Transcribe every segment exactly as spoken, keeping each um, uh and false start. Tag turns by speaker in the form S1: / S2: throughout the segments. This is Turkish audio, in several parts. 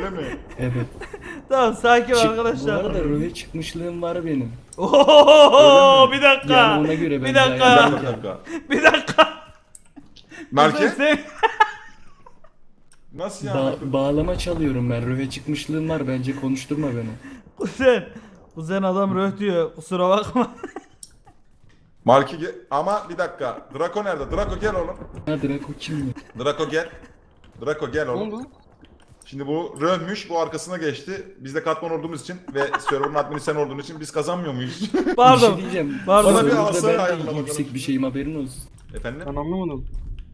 S1: öyle mi?
S2: Evet.
S3: Tamam sakin ol
S2: Çık- Bu
S3: arkadaşlar.
S2: arada röve çıkmışlığım var benim.
S3: Oho, bir dakika.
S2: Yani ona göre ben
S3: bir
S2: de
S1: Bir
S3: dakika.
S2: ayarlarım.
S1: dakika, bir dakika.
S3: Bir dakika.
S1: Melke?
S3: Sen-
S1: Nasıl yani?
S2: Ba- bağlama çalıyorum ben. Röve çıkmışlığım var. Bence konuşturma beni.
S3: Kuzen. Kuzen adam röh diyor. Kusura bakma.
S1: Malki ge- ama bir dakika. Draco nerede? Draco gel oğlum.
S2: Ha Draco kim ya?
S1: Draco gel. Draco gel
S4: Ne
S1: oğlum.
S4: oldu?
S1: Şimdi bu Rönmüş, bu arkasına geçti. Biz de katman olduğumuz için ve server'ın admini sen olduğun için biz kazanmıyor muyuz?
S2: Bir şey
S3: Pardon.
S2: diyeceğim.
S3: Pardon.
S1: Bana bir
S2: Serverda
S1: alsana
S2: ben de
S1: ayarına bakalım.
S2: yüksek bir şeyim haberin olsun.
S1: Efendim?
S4: Ben anlamadım.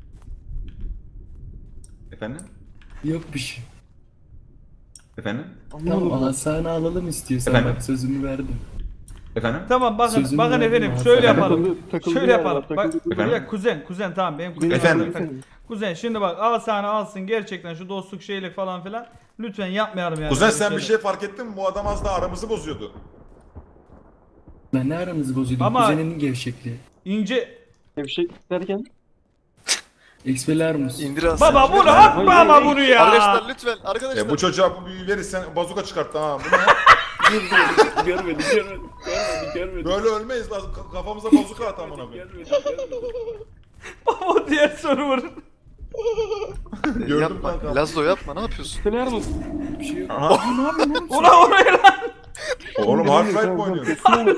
S1: Efendim?
S2: Yok bir şey.
S1: Efendim?
S2: Tamam
S4: Anlamadım.
S2: asana alalım istiyorsan
S1: Efendim?
S2: bak sözümü verdim.
S1: Efendim?
S3: Tamam bakın
S2: Sözünü
S3: bakın
S2: verdim
S3: efendim
S2: abi.
S3: şöyle
S1: Efendim?
S3: yapalım.
S4: Takıldı- takıldı
S3: Şöyle
S4: yani,
S3: yapalım. Bak
S4: takıldı.
S1: Efendim?
S3: ya kuzen kuzen tamam benim kuzenim.
S1: Efendim?
S3: Efendim. Kuzen şimdi bak al sana alsın gerçekten şu dostluk şeylik falan filan. Lütfen yapmayalım yani.
S1: Kuzen
S3: böyle
S1: sen bir şey
S3: şeyler.
S1: fark ettin mi? Bu adam az daha aramızı bozuyordu.
S2: Ben ne aranızı bozuyordum?
S3: Ama-
S2: Kuzeninin gevşekliği.
S3: İnce.
S4: Gevşek derken.
S2: Expelliarmus.
S5: İndir az.
S3: Baba bunu
S4: Hayır,
S3: atma
S4: hayır,
S3: ama
S4: hayır.
S3: bunu ya.
S5: Arkadaşlar lütfen arkadaşlar.
S1: E bu çocuğa bu büyüyü verirsen bazuka çıkarttı ha. Bu ne?
S2: görmedim, görmedim, görmedim, görmedim.
S1: Böyle ölmeyiz lazım. Ka- Kafamıza bazuka at amına koyayım.
S3: Baba o diğer server.
S1: Gördüm
S5: yapma.
S1: kanka.
S5: Lazlo yapma ne yapıyorsun?
S4: Söyler misin?
S2: Bir şey yok.
S1: Aha.
S3: Ulan oraya lan.
S1: Oğlum Half-Life mi oynuyorsun?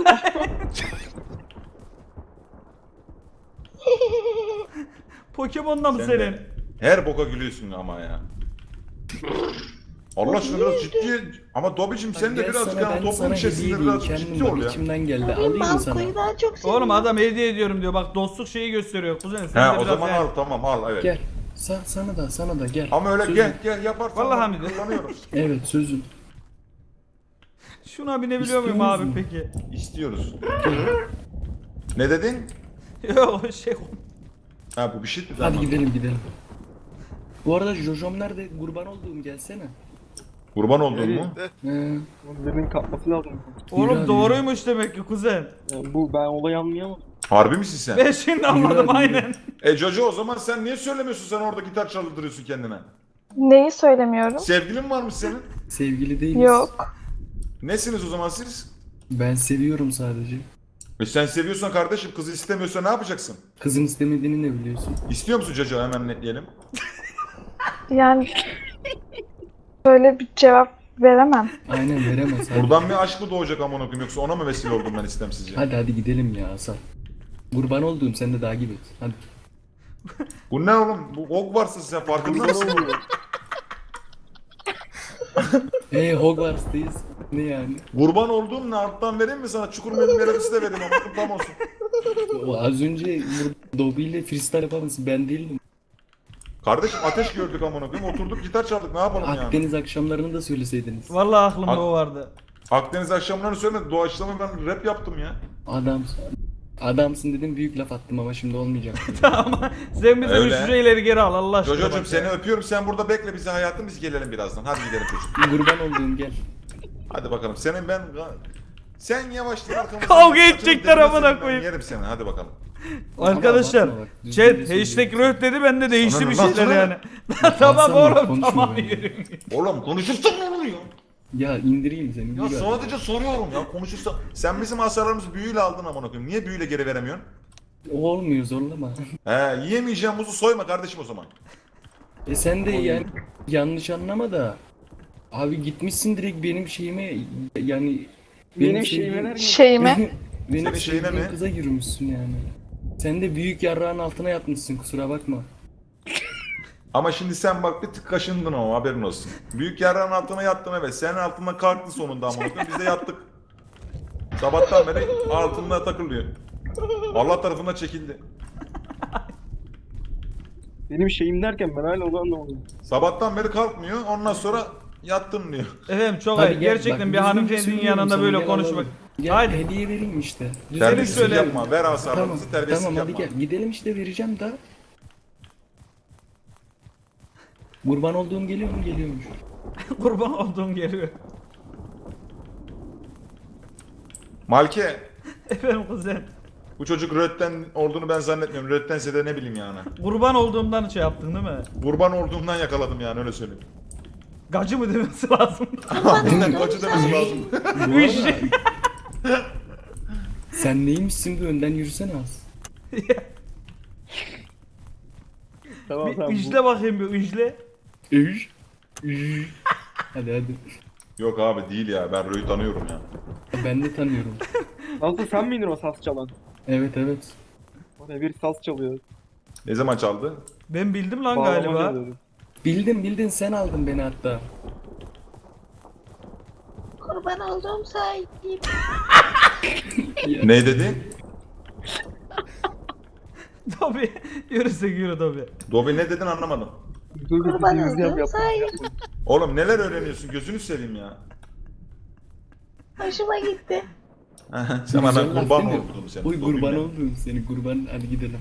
S3: Pokemon'da mı
S1: Sen
S3: senin?
S1: de her boka gülüyorsun ama ya. Allah aşkına biraz ciddi ama Dobby'cim sen de
S2: Gel
S1: birazcık
S2: sana,
S1: yani
S2: ben
S1: toplum
S2: sana hediye
S1: içerisinde
S2: edeyim.
S1: biraz
S2: Kendim
S1: ciddi ol
S2: bak
S1: ya.
S2: içimden geldi. Alayım mı sana?
S6: Balkoyu daha çok seviyorum.
S3: Oğlum adam hediye ediyorum diyor. Bak dostluk şeyi gösteriyor. Kuzen sen
S1: He
S3: de
S1: o
S3: biraz
S1: zaman
S3: yani-
S1: al tamam al evet.
S2: Gel. Sa sana da sana da gel.
S1: Ama öyle
S2: Sözüm.
S1: gel gel yaparsan
S3: Vallahi
S1: bak,
S3: Hamidi.
S1: kullanıyorum.
S2: Evet sözüm.
S3: Şuna binebiliyor muyum
S2: İstiyor
S3: abi
S2: musun?
S3: peki?
S1: İstiyoruz. Ne dedin?
S3: Yok şey
S1: Ha bu bir şey mi?
S2: Hadi gidelim gidelim. Bu arada Jojom nerede? Kurban olduğum gelsene.
S1: Kurban oldun mu?
S2: He.
S4: Birinin kapması lazım.
S2: Yürü
S3: Oğlum
S2: abi,
S3: doğruymuş demek ki kuzen.
S4: Yani bu ben olayı anlayamadım.
S1: Harbi misin sen?
S3: Ben şimdi anladım
S2: abi, yürü.
S3: aynen.
S1: E Jojo o zaman sen niye söylemiyorsun sen orada gitar çaldırıyorsun kendine?
S6: Neyi söylemiyorum?
S1: Sevgilin var mı senin?
S2: Sevgili değiliz.
S6: Yok.
S1: Nesiniz o zaman siz?
S2: Ben seviyorum sadece.
S1: E sen seviyorsan kardeşim kızı istemiyorsa ne yapacaksın?
S2: Kızın istemediğini ne biliyorsun?
S1: İstiyor musun Jojo hemen netleyelim.
S6: Yani böyle bir cevap veremem.
S2: Aynen veremez. Hadi.
S1: Buradan bir aşk mı doğacak amına koyayım yoksa ona mı vesile oldum ben istemsizce?
S2: Hadi hadi gidelim ya Hasan. Kurban olduğum sen de takip et. Hadi.
S1: Bu ne oğlum? Bu Hogwarts'ın sen farkında mısın?
S2: Hey Hogwarts'tayız. Ne yani?
S1: Kurban olduğum ne alttan vereyim mi sana? Çukur melodisi de vereyim ama tam olsun.
S2: O az önce Dobby ile freestyle yapan mısın? Ben değildim.
S1: Kardeşim ateş gördük amına koyayım oturduk gitar çaldık ne yapalım yani?
S2: Akdeniz akşamlarını da söyleseydiniz.
S3: Vallahi aklımda
S1: Ak-
S3: o vardı.
S1: Akdeniz akşamlarını söylemedi. Doğaçlama ben rap yaptım ya.
S2: Adamsın. Adamsın dedim büyük laf attım ama şimdi olmayacak.
S3: Ama sen bize
S1: Öyle.
S3: şu şeyleri geri al Allah aşkına.
S1: Jojo'cum
S3: bak
S1: seni
S3: ya.
S1: öpüyorum. Sen burada bekle bizi hayatım biz gelelim birazdan. Hadi gidelim çocuk.
S2: Kurban olduğum gel.
S1: Hadi bakalım. Senin ben sen yavaştan arkamızdan
S3: Kavga
S1: saçını
S3: edecekler
S1: devirmesin,
S3: amına
S1: ben
S3: koyayım.
S1: Yerim seni. Hadi bakalım.
S3: Arkadaşlar
S2: Ama bakma bak, düzgün
S3: chat
S2: bir
S3: hashtag
S2: söylüyorum.
S3: röh dedi ben de değişti
S1: Sana
S3: bir
S1: ne lan,
S3: şeyler
S1: sana
S3: yani.
S1: ne?
S3: Tamam
S2: Hasan bak,
S3: oğlum
S2: konuşma
S3: tamam
S2: benimle.
S3: yürü.
S1: Oğlum konuşursan ne oluyor?
S2: Ya indireyim seni.
S1: Ya
S2: yürü
S1: sadece soruyorum ya konuşursan. Sen bizim hasarlarımızı büyüyle aldın amına koyayım. Niye büyüyle geri veremiyorsun?
S2: hadi. O olmuyor zorlama.
S1: He yiyemeyeceğim muzu soyma kardeşim o zaman.
S2: E sen de yani yanlış anlama da. Abi gitmişsin direkt benim şeyime yani
S4: Benim
S2: sevdiğim-
S4: şeyime nerede?
S6: Şeyime.
S2: benim
S1: Senin şeyine
S2: sevdiğim
S1: mi?
S2: kıza yürümüşsün yani. Sen de büyük yarrağın altına yatmışsın kusura bakma.
S1: Ama şimdi sen bak bir tık kaşındın ama haberin olsun. Büyük yarrağın altına yattın evet. Senin altından kalktı sonunda amına koyayım. Biz de yattık. Sabahtan beri altında takılıyor. Allah tarafından çekildi.
S4: Benim şeyim derken ben hala onu anlamadım.
S1: Sabahtan beri kalkmıyor. Ondan sonra yattın diyor.
S3: Efendim çok
S2: Hadi
S3: ayıp.
S2: gel,
S3: Gerçekten
S2: bak,
S3: bir
S2: düzgün
S3: hanımefendinin
S2: söylüyorum
S3: yanında
S2: sana,
S3: böyle
S2: gel
S3: konuşmak.
S2: alalım. Gel
S3: Haydi.
S2: hediye vereyim işte.
S1: Terbiyesizlik
S3: söyle.
S1: yapma. Ver
S2: Tamam,
S1: hasarlarımızı terbiyesizlik
S2: tamam hadi
S1: yapma.
S2: gel gidelim işte vereceğim da. Kurban olduğum geliyor mu geliyormuş.
S3: Kurban olduğum geliyor.
S1: Malke.
S3: Efendim kuzen.
S1: Bu çocuk Rötten olduğunu ben zannetmiyorum. Röttense de ne bileyim yani.
S3: Kurban olduğumdan şey yaptın değil mi?
S1: Kurban olduğumdan yakaladım yani öyle söyleyeyim.
S3: Gacı mı demesi lazım?
S1: Aynen koçu demesi lazım.
S2: Bu arada sen neymişsin bir önden yürüsene az.
S4: Tamam
S3: Bir
S4: tamam. bu-
S3: üjle bakayım bir üjle.
S2: Üş. Üş. Hadi hadi.
S1: Yok abi değil ya, ben Rö'yü tanıyorum ya.
S2: Ben de tanıyorum.
S4: Nasıl sen miydin o saz çalan?
S2: Evet evet.
S4: Oraya bir saz çalıyor.
S1: Ne zaman çaldı?
S3: Ben bildim lan
S4: Bağlama
S3: galiba.
S4: çalıyordu.
S2: Bildin bildin sen aldın beni hatta.
S6: Kurban olduğum sahibim.
S1: Ne dedi?
S3: Tabii. Yürüsek yürü tabii.
S1: Dobi ne dedin anlamadım.
S4: Dur bir
S6: Kurban
S4: dediğimizi yap
S6: olduğum
S4: yap.
S6: sahibim.
S1: Oğlum neler öğreniyorsun, gözünü seveyim ya.
S6: Hoşuma gitti.
S1: Sen bana
S2: Güzel laf
S1: kurban
S2: değil mi?
S1: oldun sen.
S2: Oy
S1: Dobi
S2: kurban
S1: ne?
S2: oldum seni kurban hadi gidelim.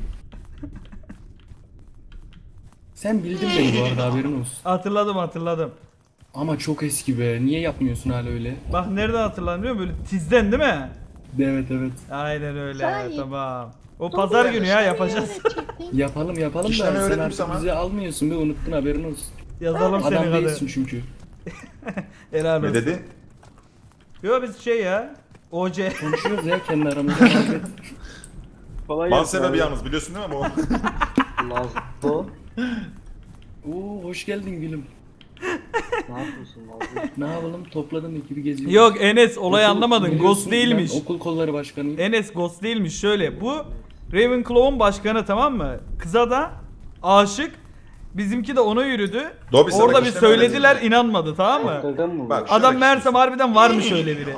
S2: Sen bildin beni bu arada haberin olsun.
S3: Hatırladım hatırladım.
S2: Ama çok eski be. Niye yapmıyorsun hala öyle?
S3: Bak nereden hatırladım biliyor musun? Böyle tizden değil mi?
S2: Evet evet.
S3: Aynen öyle.
S6: Sahi.
S3: Tamam. O pazar günü ya yapacağız.
S2: Yapalım yapalım
S1: İki
S2: da
S1: tane
S2: sen
S1: öğrettim
S2: artık
S1: sana.
S2: bizi almıyorsun be unuttun haberin olsun.
S3: Yazalım
S2: Adam
S3: senin
S2: değilsin
S3: adı.
S2: çünkü.
S3: Helal
S1: Ne
S3: olsun.
S1: dedi?
S3: Yo biz şey ya. O C.
S2: Konuşuyoruz ya kendi aramızda muhabbet.
S4: Kolay
S1: Ban
S4: gelsin
S1: sebebi
S4: abi.
S1: yalnız biliyorsun değil mi bu?
S7: Nazlı.
S2: Oo hoş geldin gülüm.
S7: Ne yapıyorsun Nazlı?
S2: Ne yapalım topladım ekibi geziyoruz.
S3: Yok Enes olayı
S2: Okul-
S3: anlamadın.
S2: biliyorsun,
S3: Ghost değilmiş.
S2: Ben okul kolları başkanıyım.
S3: Enes Ghost değilmiş. Şöyle bu Ravenclaw'un başkanı tamam mı? Kıza da aşık. Bizimki de ona yürüdü.
S1: Dobi sana
S3: Orada bir
S1: kişileme
S3: söylediler
S1: öğreteyim.
S3: inanmadı tamam mı?
S7: Şakadan mı?
S1: Bak.
S7: bu?
S3: Adam
S1: Şöyle
S3: meğersem harbiden varmış öyle biri.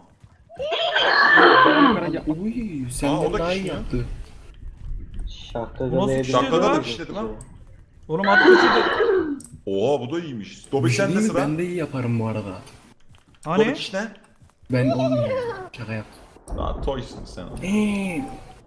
S2: Uy
S1: Aa,
S2: senden
S1: o da
S2: daha iyi
S1: kişi ya.
S2: yaptı.
S7: Şakadan
S3: Nasıl
S7: evde-
S3: kişiydi
S1: Şakada
S3: lan?
S1: da kişiledim ha.
S3: Oğlum atmıştı.
S1: Oha bu da iyiymiş. Dobi
S2: Bir şey
S1: sende
S2: diyeyim mi?
S1: sıra.
S2: Ben de iyi yaparım bu arada.
S1: Dobi
S3: Hani?
S1: kiş ne?
S2: Ben olmuyorum. Şaka yaptım.
S1: Daha toysun sen.
S2: Eee.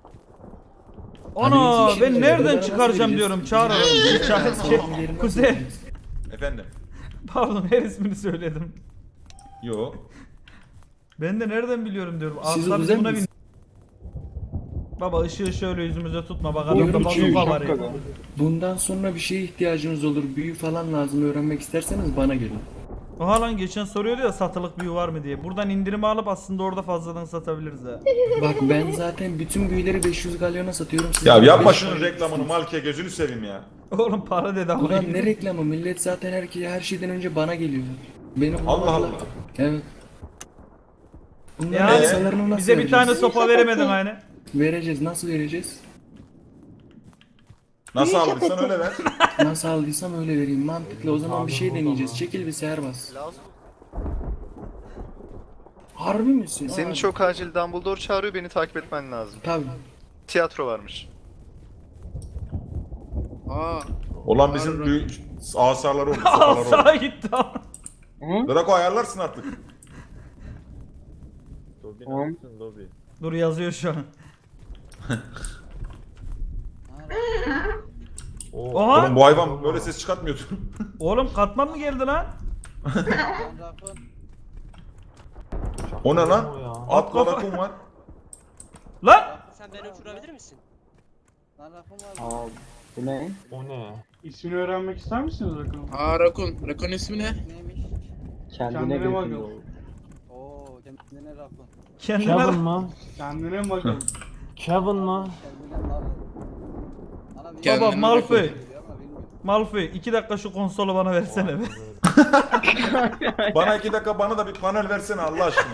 S3: Ana
S2: Hani
S3: ben
S2: bizim
S3: nereden
S2: şeyleri
S3: çıkaracağım
S2: nasıl
S3: diyorum.
S2: vereceğiz?
S3: Çağır
S2: Bizim
S3: aradım. Çağır
S2: şeyleri
S3: şey.
S2: nasıl vereceğiz?
S3: Kuzey.
S1: Efendim?
S3: Pardon her ismini söyledim.
S1: Yo.
S3: Ben de nereden biliyorum diyorum.
S2: Siz
S3: Aslan
S2: özel
S3: buna bin.
S2: misiniz?
S3: Baba ışığı şöyle yüzümüze tutma bak
S2: Buyurun,
S3: adamda
S2: çiğ,
S3: bazuka var ya.
S4: şapkadan.
S2: Bundan sonra bir şeye ihtiyacınız olur. Büyü falan lazım öğrenmek isterseniz bana gelin.
S3: Oha lan geçen soruyordu ya satılık büyü var mı diye. Buradan indirimi alıp aslında orada fazladan satabiliriz ha.
S2: Bak ben zaten bütün büyüleri beş yüz galyona satıyorum. Siz
S1: Ya
S2: bana
S1: yapma
S2: beş
S1: şunun
S2: galyona
S1: reklamını
S2: satıyorsunuz.
S1: Malke gözünü seveyim ya.
S3: Oğlum para dedi ama.
S2: Ulan ne reklamı? Millet zaten her, her şeyden önce bana geliyor. Beni
S1: Allah
S2: bulmadılar.
S1: Allah.
S2: Evet. Bunların
S3: Yani
S2: yasalarını nasıl
S3: bize bir tane
S2: vereceğiz?
S3: sopa veremedin hani.
S2: Vereceğiz. Nasıl vereceğiz?
S1: Nasıl aldıysan öyle ver.
S2: Nasıl aldıysam öyle vereyim. Mantıklı. O zaman bir şey deneyeceğiz. Çekil bir serbest.
S5: Lazım.
S2: Harbi misin?
S5: Senin
S2: Aa,
S5: çok acil Dumbledore çağırıyor, beni takip etmen lazım.
S2: Tabii.
S5: Tiyatro varmış.
S1: Olan bizim büyük asarları oldu. sopaları oldu.
S3: Sağa gitti ama.
S1: Draco ayarlarsın artık.
S4: Tamam.
S3: Dur yazıyor şu an. Oha!
S1: Oğlum bu hayvan böyle ses çıkartmıyordu.
S3: Oğlum katman mı geldi lan?
S1: O ne lan? At
S3: kafa-
S1: Draco'm var.
S3: Lan!
S8: Sen beni uçurabilir misin? Lan lafım var.
S7: Aa, bu ne?
S9: İsmini öğrenmek ister misiniz bakalım?
S8: Aa Rakun. Rakun ismi ne? Neymiş?
S7: Kendine,
S9: Kendine
S7: götür
S9: bakın.
S7: oğlum.
S8: Oo kendine Rakun.
S3: Kendine
S9: Kevin mı? Kendine bakalım. Kevin mı?
S8: Kendine Rakun. Ana bir-
S3: Baba
S8: Kendine
S3: Malfoy.
S8: Rakun geliyor ama bilmiyorum.
S3: Malfoy iki dakika şu konsolu bana versene be.
S1: Bana iki dakika bana da bir panel versene Allah aşkına.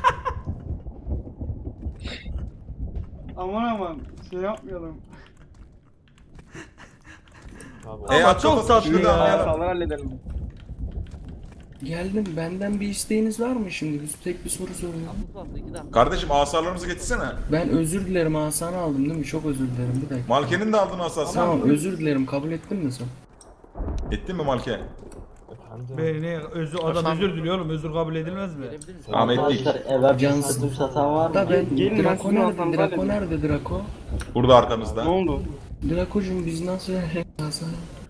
S9: Aman aman şey yapmayalım.
S1: E,
S3: Ama
S1: at
S3: çok
S1: kafası
S3: tatlı
S1: şurada
S3: ya.
S1: ama ya.
S4: Sağlar halledelim.
S2: Geldim. Benden bir isteğiniz var mı şimdi? Biz tek bir soru soruyorum.
S1: Kardeşim asarlarımızı getirsene.
S2: Ben özür dilerim Hasan'ı aldım değil mi? Çok özür dilerim. Bir dakika.
S1: Malke'nin de aldın asası.
S2: Tamam özür dilerim. Kabul ettin mi sen?
S1: Ettin mi Malke?
S3: Beni özür adam özür diliyor oğlum özür kabul edilmez mi?
S1: Tamam ettik.
S7: Arkadaşlar eve bir
S2: Cansın.
S7: satım satan var mı?
S2: Da ben
S4: Gelin, ben
S2: Draco
S4: sizin
S2: nerede?
S4: Hasan'ı
S2: Draco
S4: halledeyim.
S2: nerede Draco?
S1: Burada arkamızda.
S4: Ne oldu?
S2: Draco'cum biz nasıl Hasan?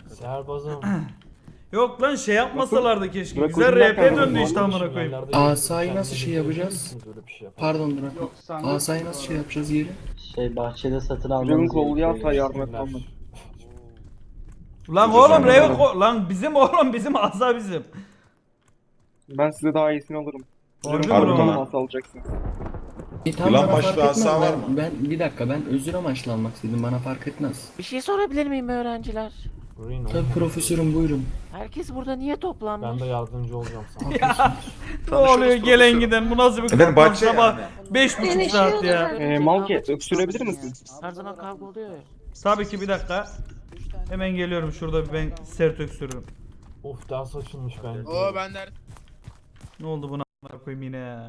S3: Yok lan şey yapmasalardı keşke.
S4: Bırak
S3: Güzel
S4: ucundan
S3: R P
S4: kaldı.
S3: döndü işte amına koyayım.
S2: Asayı nasıl şey yapacağız? Pardon Draco.
S9: Yok sen de-
S2: Asayı nasıl şey yapacağız yeri?
S7: Şey bahçede satın almamız
S4: Canın kolu
S7: gerekiyor.
S4: yatsa yardım et olmaz.
S3: Lan oğlum Raven lan bizim oğlum bizim asa bizim.
S4: Ben size daha iyisini alırım.
S3: Harbi mi
S1: Harbi
S3: lan?
S1: mi?
S4: Nasıl alacaksınız?
S2: E tamam
S1: Yılan
S2: bana
S1: başlı
S2: fark etmez.
S1: asa var
S2: Ben,
S1: mı?
S2: ben bir dakika ben özür amaçlı almak istedim bana fark etmez.
S8: Bir şey sorabilir miyim öğrenciler?
S2: Tabii profesörüm buyurun.
S8: Herkes burada niye toplanmış?
S9: Ben de yardımcı olacağım sana.
S3: Ne
S5: Tanışıyoruz
S3: oluyor gelen
S5: profesörüm.
S3: giden bu nasıl bir
S1: Efendim
S3: korkmaz
S1: bahçe
S3: sabah
S1: yani.
S3: beş buçuk saat ya.
S4: Ee, Malke öksürebilir misin?
S8: Her zaman kavga oluyor ya.
S3: Tabii ki bir dakika. Hemen geliyorum şurada bir ben sert öksürürüm.
S9: Of ders açılmış bence.
S10: Oo ben de
S3: Ne oldu buna a**ına koyayım yine ya.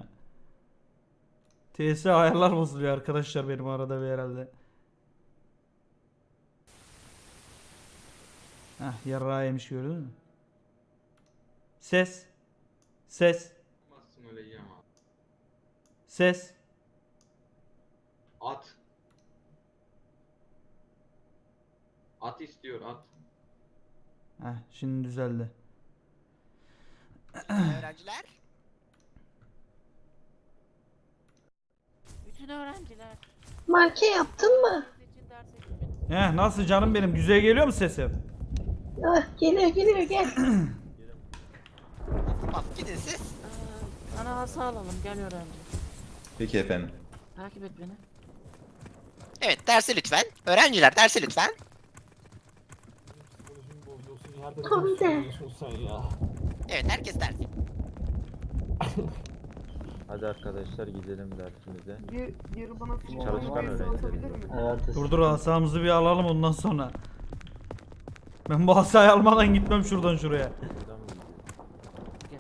S3: T S ayarlar bozuluyor arkadaşlar benim arada bir herhalde. Heh yarrağı yemiş gördün mü? Ses. Ses. Ses.
S11: At. At istiyor at.
S3: Heh şimdi düzeldi.
S10: öğrenciler.
S8: Bütün öğrenciler.
S6: Marke yaptın mı?
S8: için derse gitmeniz.
S3: Heh nasıl canım benim güzel geliyor mu sesim?
S6: Ah, geliyor geliyor gel.
S10: Tamam gidin siz.
S8: Aa, Sana asa alalım gel öğrenci.
S1: Peki efendim.
S8: Takip et beni.
S10: Evet dersi lütfen. Öğrenciler dersi lütfen.
S9: Psikolojimi bozuyorsun. Yerde
S6: Tam
S9: bir
S6: de.
S9: söylüyorsun sen ya.
S10: Evet herkes dersi.
S11: Hadi arkadaşlar gidelim dersimize.
S4: Bir, bir bana
S11: Çalışkan öğrenciler.
S7: Evet.
S3: Dur dur asamızı bir alalım ondan sonra. Ben bu asayı almadan gitmem şuradan şuraya.
S11: Buradan mı gidiyor?
S8: Gel.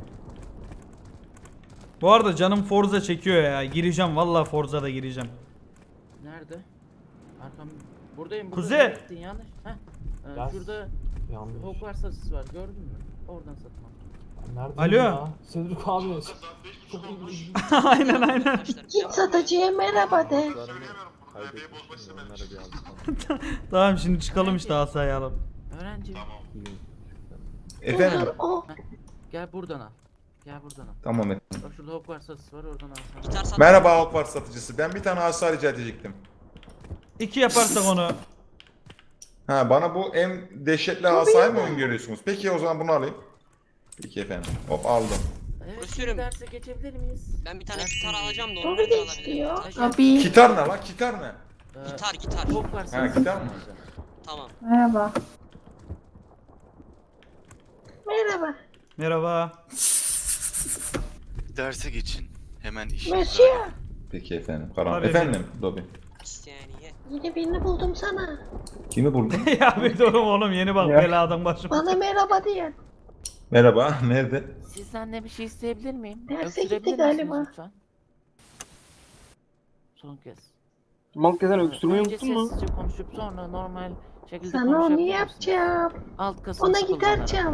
S3: Bu arada canım Forza çekiyor ya. Gireceğim vallahi Forza'da gireceğim.
S8: Nerede? Arkam. Buradayım.
S3: Kuzey!
S8: Nereye gittin yanlış. Heh. Ee,
S9: Gel.
S8: şurada
S9: Yanlış.
S8: Hogwarts asısı var gördün mü? Oradan satın al.
S9: Neredesin
S3: Alo.
S9: ya? Cedric abi. Çok iyi.
S3: aynen aynen.
S6: Git satıcıya merhaba de.
S11: Kaybetmişim de onları bir alsam.
S3: Tamam şimdi çıkalım işte asayı alıp.
S8: Öğrenci.
S1: Efendim.
S6: Dur o.
S8: Gel buradan al. Gel buradan al.
S1: Tamam efendim.
S8: Bak şurada Hogwarts asısı var oradan al. sana.
S1: Merhaba Hogwarts satıcısı. Ben bir tane asa rica edecektim.
S3: İki yaparsak onu.
S1: Ha bana bu en dehşetli asayı mı öngörüyorsunuz? Peki o zaman bunu alayım. Peki efendim. Hop aldım.
S8: Evet,
S10: Profesörüm.
S8: şimdi derse geçebilir miyiz?
S10: Ben bir tane
S8: Derse
S10: gitar alacağım da
S6: Tabii
S10: onu
S6: de
S10: ben de alabilirim.
S6: istiyor.
S10: Gitar-
S6: Tabii.
S1: Gitar ne lan? Gitar ne?
S8: Ee,
S10: Gitar gitar.
S8: Hogwarts
S1: Ha
S8: asısı.
S1: gitar mı?
S10: Tamam.
S6: Merhaba. Merhaba.
S3: Merhaba.
S5: Derse geçin. Hemen iş.
S6: Monsieur.
S1: Peki efendim. Karan.
S3: Tabii
S1: Efendim Dobby.
S10: İsteyeniye.
S6: Yine birini buldum sana.
S1: Kimi buldun?
S3: ya bir durum oğlum yeni bak
S4: Ya.
S3: beladan başıma.
S6: Bana merhaba diyen.
S1: Merhaba. Nerede?
S8: Sizden de bir şey isteyebilir miyim?
S6: Derse
S8: Öksürebilir
S6: gitti
S8: misiniz
S6: galiba.
S8: lütfen? Son kez.
S4: Malke sen öksürmeyi
S8: Önce
S4: unuttun mu?
S8: sessizce konuşup sonra normal şekilde
S6: Sana onu
S8: konuşabilir misiniz?
S6: yapacağım.
S8: Alt kasını
S6: Ona gitar
S8: kullanarak.
S6: çal.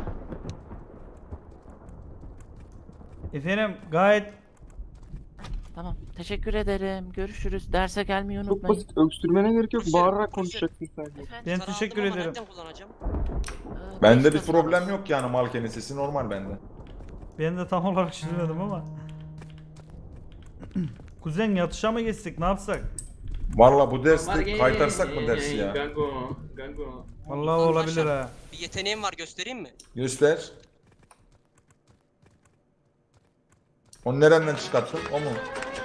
S3: Efendim gayet
S8: Tamam. Teşekkür ederim. Görüşürüz. Derse gelmeyi
S4: Çok
S8: unutmayın.
S4: basit. Öksürmene gerek yok.
S10: Profesör,
S4: Bağırarak
S10: profesör.
S4: konuşacaksın sadece.
S8: Efendim?
S3: ben
S10: Gitar
S3: teşekkür
S10: aldım ama
S3: ederim.
S10: nereden kullanacağım?
S8: Ee,
S1: Bende
S8: beş
S1: bir
S8: kasım
S1: problem
S8: arası.
S1: yok yani Malke'nin sesi normal bende.
S3: Ben de tam olarak çizmedim ama. Kuzen yatışa mı geçsek ne yapsak?
S1: Valla bu derste kaytarsak mı dersi ya?
S11: Gango. Gango.
S3: Vallahi olabilir ha.
S10: Bir yeteneğim var göstereyim mi?
S1: Göster. Onu nereden çıkarttın? O mu?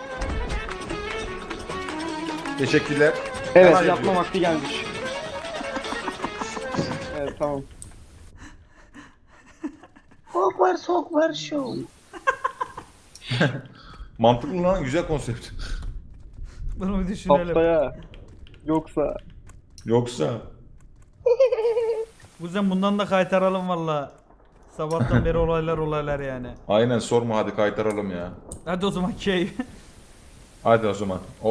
S1: Teşekkürler.
S4: Evet
S1: Hemen
S4: yapma
S1: yapıyorum.
S4: vakti gelmiş. Evet tamam.
S6: Hogwarts Hogwarts Show.
S1: Mantıklı lan, güzel konsept.
S3: Bunu bir düşünelim.
S4: Haftaya. Yoksa.
S1: Yoksa
S3: Kuzen bundan da kaytaralım valla. Sabahtan beri olaylar olaylar yani.
S1: aynen sorma, hadi kaytaralım ya.
S3: Hadi o zaman keyif.
S1: Hadi o zaman.